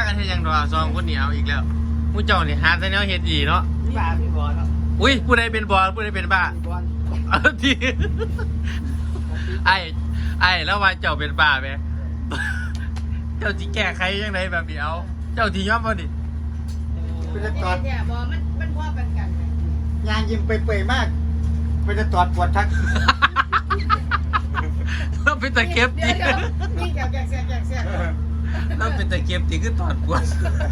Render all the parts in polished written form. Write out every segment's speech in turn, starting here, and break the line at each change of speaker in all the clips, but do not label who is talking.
กันเฮ็ดยังดอก2คนนี่เอาอีกแล้วผู้เจ้านี่หาแต่แนวเฮ็ดอีเนาะ
บ้าพี่บอลเนาะ
อุ้ยผู้ใดเป็นบอลผู้ใดเป็นบ้าที่ไอ้แล้วว่าเจ้าเป็นบ้าไหมเจ้าที่แก้ไขยังไงแบบนี้เอาเจ้าที่ยอมบ่ดิ
คุณจะตอด
เนี่ยบอมันพ่อกันกัน
งานยิ้มเปื่อยๆมากคุณจะตอดปวดทัก
เราเป็นตะเก็บตี
ยิ่งแกแก
เราเป็นตะเก็บตีคือตอดปวด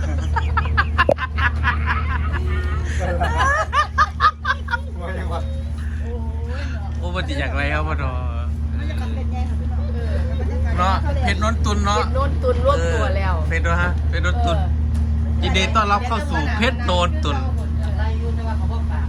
โอ้มันจะอยากไรครับพ่อเนาะเนาะเพชรนนตุนเนาะ
เพชรนนตุนรวบตัวแล้ว
เพชรฮะเพชรนนตุนยินดีต้อนรับเข้าสู่เพชรนนตุน
อะไรอยู่แต่ว่าเขาบอกปาก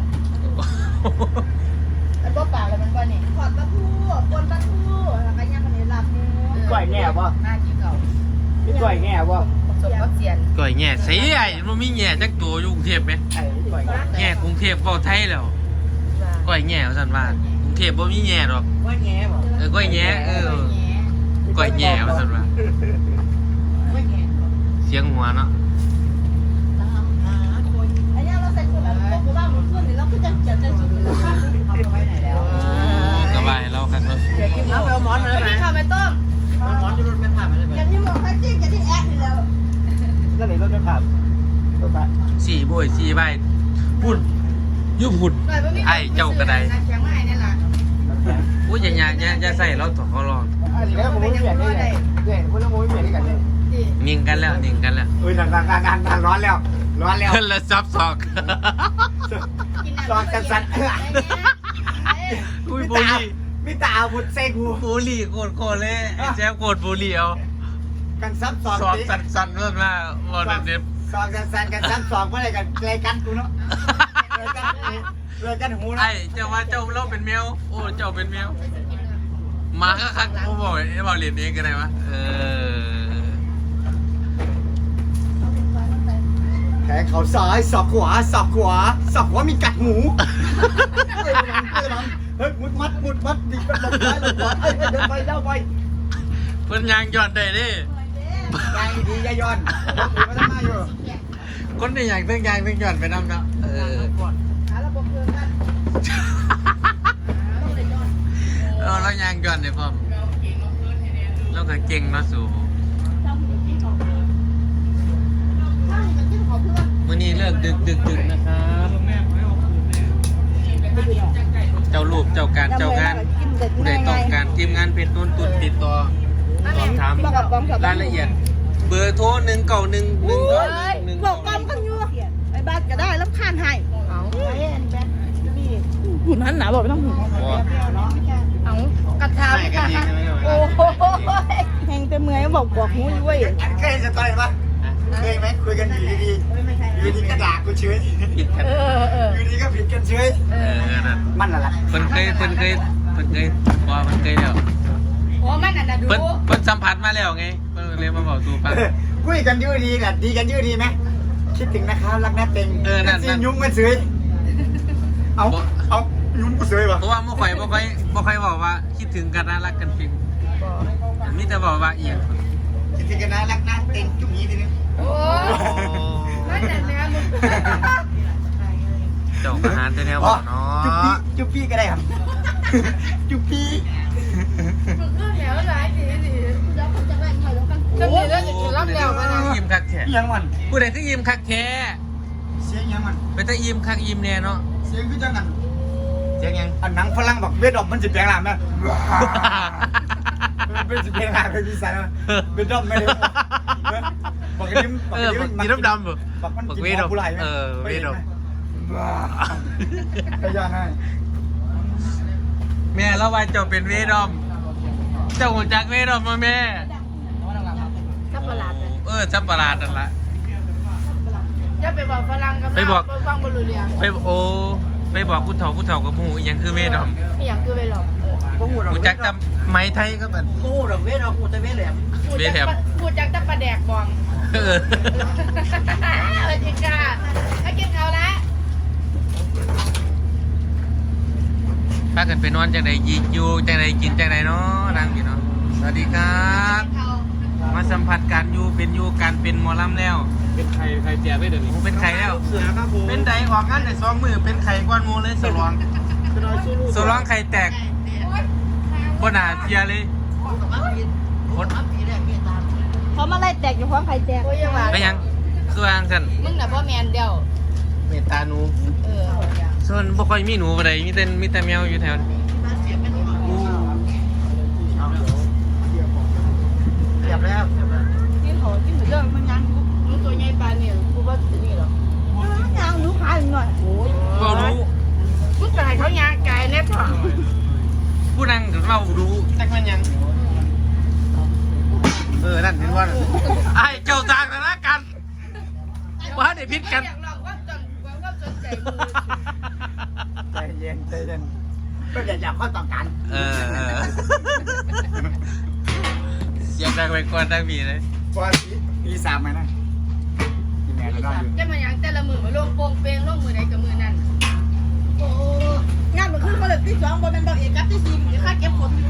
แล้วก็ปากเลยมันว่านี่ขอดปลาทูปนปลาทูแล้วก็ย่างขนมลับนี่
ก้อยแง่ป่ะ
หน้าที่เก่า
พี่ก้อยแง่ป่ะ
สมกับเสียน
ก่อยแง่ใส่ไอ้มันมีแง่จักตัวอยู่กรุงเทพไหมแง่กรุงเทพเฝ้าไทยแล้วก่อยแง่สันว่ากรุงเทพบ่มีแง่หรอก
ก้อยแง่ป่ะ
ก้อยแง่ก้อยแง่สันว่าเสียงหัวเนาะ
อันนี้เราใส่ถุงแล้วพวกบ้านหมุนขึ้นนี่เราก็จะสุดเอาไปไว้ไหนแล้ว
กระบายเราครับเนาะ
เอาไปเอาหมอนมาเลยไหม
ข้าวไม่ต้ม
หมอนจะรถไม่ผ่านมาเลยไหม
อย่าที่หมอกให้จิ้งอย่าที่แอ๊กนี่แล้ว
แล้วไหนรถไม่ผ่านรถผ่าน
สี่บ่อยสี่ใบพุ่นยุบพุ่นไอ้เจ้ากระได
แข็งไม้นี่แหละ
อุ้ยอย่าใส่เราถอดเขาลอง
อันนี้ก็ผมไม่เปลี่ยนได้เลยเดี๋ยวพวกเราไม่เปลี่ยนได้กันเลย
นิ่งกันแล้ว
อุ้ยงานร้อนแล้ว
แล้วซับซอก
ร้อนกันสั่น
อุ้ยบุหรี่
มิตาอาวุธเซกู
บุหรี่โกรธเลยแจ๊บโกรธบุหรี่เอา
กันซับซอก
สั่นเรื่องมาวันนี้
ซอกสั่นกันซับซอกเมื่อไรกันกูเนาะเลยกันหูนะ
ไอ้เจ้าว่าเจ้าเราเป็นแมวโอ้เจ้าเป็นแมวมาคักเขาบอกไอ้บอกเรียนเองกันไหนวะ
แขนเขาซ้ายศอกขวามีกัดหูเฮ้ยมุดมัดดีเป็นลมซ้ายลมขวาเดินไปเล่าไป
เพิ่นยางย้อนได้ดิ
ยางดียย้อนมาทำไมอยู่
คนที่ยางเพิ่งย้อนไปน้ำเนาะเรายางย้อนเลยพ่อเราก็เก่งเนาะสู่มื้อนี้เลิกดึกนะครับเจ้ารูปเจ้าการเจ้างานผู้ใดต้องการทีมงานเพชรนนตุนติดต่อสอบถามรายละเอียดเบอร์โทร191 191
บอกกำกันอยู่ไอ้บ้านก็ได้รับคานให้เอาหุ่นหันหนาบอกไม่ต้องหุ่นเอากระทำกันโอ้โหแหงเต็มเมื่อยบอกหูอยู่เว้ย
เคยจะต่อยปะเคยไหมคุยกันอยู่ดีก็ด่ากูเฉย
ผิดกัน
อยู่ดีก็ผิดกันเฉย
นั่น
มันอะไร
เพิ่นเคยว่ามันเคยแล้ว
โอ้มันน่ะดู
เพิ่นสัมผัสมาแล้วไงเพิ่นเลยมาบอกสู่ฟัง
คุยกันยืดดีกันดีกันยืดดีไหมคิดถึงนะครับรักแน่เต็งนั่นยุ่งมันเฉยเอายุ่งกูเฉยวะ
เพราะว่าบ่ค่อยบอกว่าคิดถึงกันนะรักกันเพียงมีแต่บอกว่าเอียง
คิดถึงกันนะรักนะเต็งจุ๊บนี้ทีนึง
โอ้มันแต่แม่มึง
เจ้าอาหารแต่แนวบอกเนาะ
จุ๊บพี่ก็ได้ครับจุ๊บพี่
มึงก็แถวหลายดีแล้วคนจะแบ่งหน่อยแล้วกันจะมีเรื่องอีกรอบเดียวกันนะ
ยิ้มคักแท้
ยังมัน
ผู้ใดก็ยิ้มคักแท้
เสียงยังมัน
เป็นตายิ้มคักยิ้มแน่เนาะ
เสียงคือจังกัน
เสียงยัง
อันหนังฝรั่งบอกเวทออกมันจะแปลงร่างนะเป็นสิบเพลงร่างเป็นพิสัยนะเป็นดอมไม่ได้บอกกันยิ้ม
มีน้ำดำเหรอ
บอกเวทออกผู้ไรไหม
เวทออก
ไปย้อนให้
แม่แล้วว่าเจ้าเป็นเวทอมเจ้าหัวจักเวทอมมาแม่
ซับประหลาด
ซับประหลาดนั่นละ
จะไปบอกฝรั่งกับไปฟังบรูเรีย
ไปบอกผู้เฒ่ากับหมู่ยังคือเวทอม
อย่างคือไปหรอก
ผู้จักจำไม้ไทยก็แบบ
กูดอกเวทออกกูจะเวทแหลม
พูดจักจะประแดกบองเออจริงจ้าให้กินเขาละ
พากันไปนอนจากไหนอยู่จากไหนกินจากไหนเนาะนั่งอยู่เนาะสวัสดีครับมาสัมผัสการอยู่เป็นอยู่การเป็นหมอลำแล้ว
เป็นใครแจกได้เดี๋ยวนี้
ผมเป็นไข่แล้ว
เสือครับผม
เป็นไดออกงานได้2 มือเป็นไข่ก้อนหมูเลยสลองสลองไข่แตกบ่น่าเสียเลยคน
เขามาไล่แตกอยู่พร้อมใครแตก
ไปยังคือวางซั่น
มึงน่ะพ่อแมนเดียว
เมตตาหนู
เออ
ส่วนบ่ค่อยมีหนูบ่ได้มีแต่แมวอยู่แถวนี้อู้
เรียบแล้ว
กินเขากินเหมือนเดิมมันยังรู้ตัวใหญ่ปานนี่กูว่าจะนี่หรอมันยังรู้ขาหน่อยโอ้ย
บ่รู้
กูตายเขายางไก่แน่พ่อ
ผู้นั่งเล่ารู้จักแม่นยังนั่นเห็นว่าไอ้เจ้าต่างกันละกันว่าได้พิษกัน
อยากลองว่าจนว่าจนใจมือ
ใจเย็นใจเย็นก็อยากข้อต่อกัน
เออเสียงดังไปก่อนดังมีเลย
พอปีสามไหมนะที่แม่ก็ได้อยู่
จะมายังแต่ละมือมาลงโป่งเปงลงมือใดกับมือนั่นโอ้งานมันขึ้นมาเลยที่2บนเป็นดอกเอกกับที่4เดี๋ยวข้าเก็บผล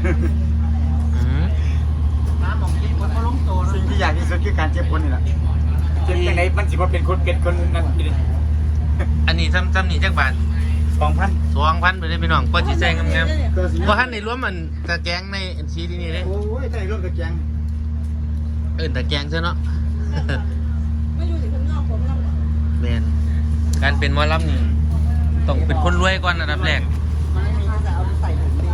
น้ำหมองกินคนเขาล้มโตนะ
สิ่งที่อยากที่สุดคือการเจ็บคนนี่แหละเจ็บยังไงมันสิว่าเป็นคนนั่น
อันนี้ซ้ำนี่จักบาท
2,000
2,000ไปเลยพี่น้องก็สิใส่งามๆบ่ทันได้รวมมันตะแกรงในชีนี่เด้
โอ้ยใจร่วมตะแกง
ตะแกรงซะเนาะ
ไม่อยู่ที่ข้างนอกผมนั่ง
แม่นการเป็นหมอลำนี่ต้องเป็นคนรวยก่อนอันดับแรก
มันไม่มีจะเอาไปใส่ถุงดี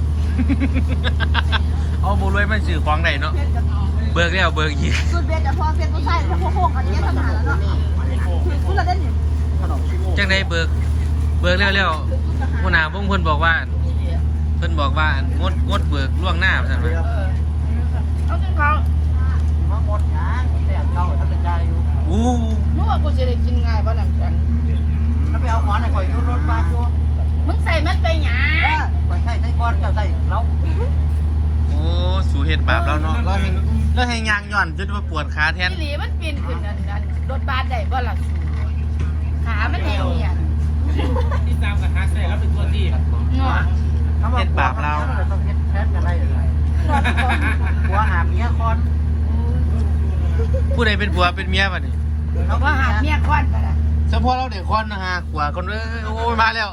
เอาบ่รวยมันซื้อของได้เนาะเบิกแล้วเบิกอีก
สุดเบียจะพอเพียนผู้ชายจะโค้งอันนี้ทำหาแล้วเนาะคือคุณละเด่นอยู่
ขนมชิโม่
จังได๋เบิกแล้วหัวหน้าวงเพิ่นบอกว่างดเบิกล่วงหน้าซั่นว่า
เอาจนเขา
มาหมดงานแต่เราท่านเป็นใจอยู่
อู้
เมื่อกูจะได้กินง่ายป่ะหนังจัง
แล้วไปเอาหมอนให้ข่อยยูรถมาชัว
มึงใส่มันไปหยา
ข่อยใส่ก้อนเจ้าใส่เรา
โอ้สู่เฮ็ดบาปแล้วเนาะเราให้ยางย่อนจนว่าปวดขาแทน
ที่หลีมันปีนขึ้นนั่นรถบัสได้บ่ล่ะขามันแหงเนี่ย
ที่ตามกับฮาร์ดแซแล้วเป็นตัวที่
เนาะ
ต้องเฮ็ดแทนกันได้เลยหัวหาเมียคอน
ผู้ใดเป็นผัวเป็นเมียบัดนี้
เราก็หาเมียก้อนกันละ
เฉพาะเราเด็กคนนะฮะขวาคนโอ้ยมาแล้ว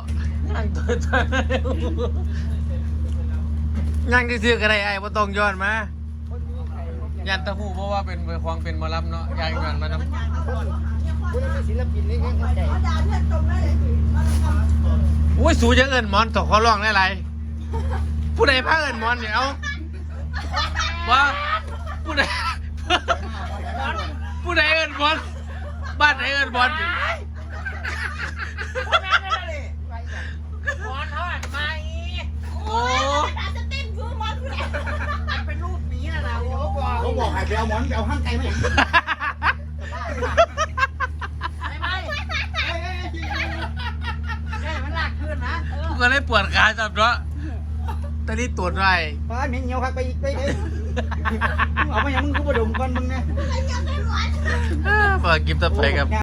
ยังที่ซื้อก็ได้ไอ้บ่ต้องย้อนมายันตะหูเพราะว่าเป็นของเป็นหมอลำเนาะยางย้อนมานำ
คุณเป็นศิลปินนี่เข้าใจ
อุ้ยสูจะเอิ้นหมอนตกขอร้องได้ไรผู้ใดพาเอิ้นหมอนเนี่ยเอาว่าผู้ใดเอิ้นหมอนบ้านไหนเอิ้นหมอน โอ้
เป็นรูปนี้นะนะโอ้โห
เขาบอกให้ไปเอาหมอนไปเอาห้างไกลมาอย่าง
มันหลักขึ้นนะ
กูก็เลยปวดขาจับเนาะตอนนี้ตรวจไว้
ป้าเหม็นเหี่ยวคักไปอีกไปเลยเอามาอย่างมึงกูบ่ดมก่อนมึงเนี่ย
เปิดกิฟต์ต่อไปกับ